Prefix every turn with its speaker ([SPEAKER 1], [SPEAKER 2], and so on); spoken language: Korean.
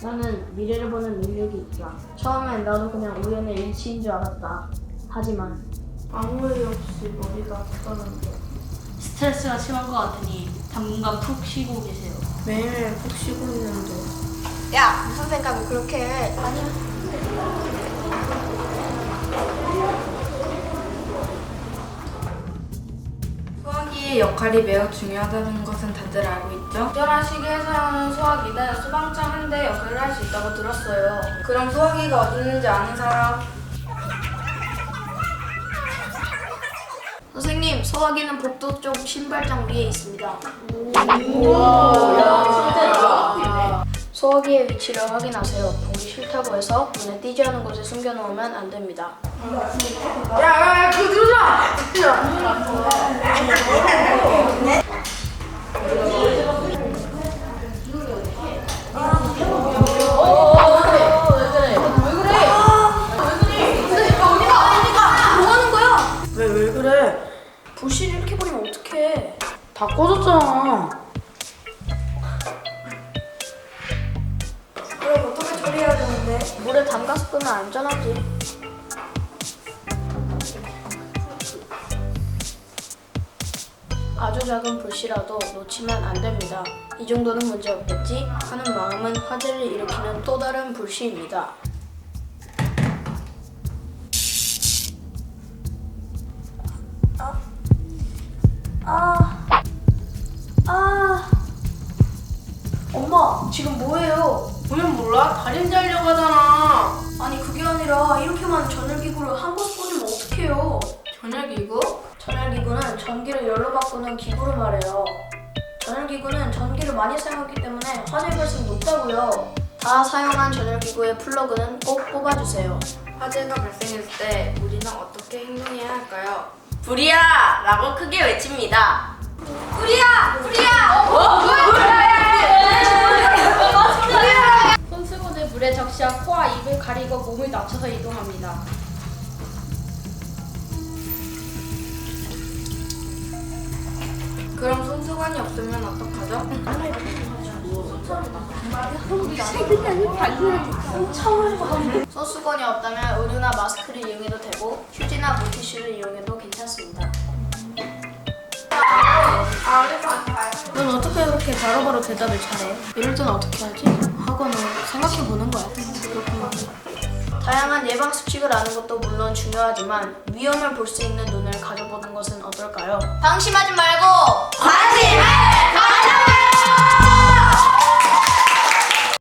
[SPEAKER 1] 나는 미래를 보는 능력이 있다. 처음엔 나도 그냥 우연의 일치인 줄 알았다. 하지만
[SPEAKER 2] 아무 일 없이 머리가 아프다는데
[SPEAKER 3] 스트레스가 심한 것 같으니 당분간 푹 쉬고 계세요.
[SPEAKER 2] 매일매일 푹 쉬고 있는데
[SPEAKER 4] 야, 무슨 생각을 그렇게 해? 아니야.
[SPEAKER 5] 수화기의 역할이 매우 중요하다는 것은 다들 알고 있죠? 특별한 시기에 사용하는 수화기는 수방장 한 대 역할을 할 수 있다고 들었어요. 그럼 수화기가 어디 있는지 아는 사람?
[SPEAKER 4] 선생님, 소화기는 복도 쪽 신발장 위에 있습니다. 소화기의 위치를 확인하세요. 보기 싫다고 해서 눈에 띄지 않은 곳에 숨겨놓으면 안 됩니다.
[SPEAKER 2] 야야야 그거 들어라! 왜 그래?
[SPEAKER 4] 불씨를 이렇게 버리면 어떡해?
[SPEAKER 2] 다 꺼졌잖아.
[SPEAKER 4] 그럼 어떻게 처리해야 되는데? 물에 담가서 끄면 안전하지. 아주 작은 불씨라도 놓치면 안 됩니다. 이 정도는 문제 없겠지 하는 마음은 화재를 일으키는 또 다른 불씨입니다. 엄마, 지금 뭐해요?
[SPEAKER 2] 보면 몰라? 다림 자려고 하잖아.
[SPEAKER 4] 아니 그게 아니라 이렇게 많은 전열기구를 한 곳에 꽂으면 어떡해요?
[SPEAKER 2] 전열기구?
[SPEAKER 4] 전열기구는 전기를 열로 바꾸는 기구를 말해요. 전열기구는 전기를 많이 사용하기 때문에 화재 발생 높다고요. 다 사용한 전열기구의 플러그는 꼭 뽑아주세요.
[SPEAKER 5] 화재가 발생했을 때 우리는 어떻게 행동해야 할까요?
[SPEAKER 2] 불이야! 라고 크게 외칩니다.
[SPEAKER 3] 손수건을 물에 적셔 코와 입을 가리고 몸을 낮춰서 이동합니다.
[SPEAKER 5] 그럼 손수건이 없으면 어떡하죠?
[SPEAKER 4] 손수건이 없다면 의류나 마스크를 이용해도 되고 휴지나 물티슈를 이용해도 괜찮습니다.
[SPEAKER 1] 넌 어떻게 그렇게 바로바로 대답을 잘해? 이럴 때는 어떻게 하지? 하고는 생각해보는 거야. 그렇구나.
[SPEAKER 4] 다양한 예방 수칙을 아는 것도 물론 중요하지만 위험을 볼 수 있는 눈을 가져보는 것은 어떨까요? 방심하지 말고 관심을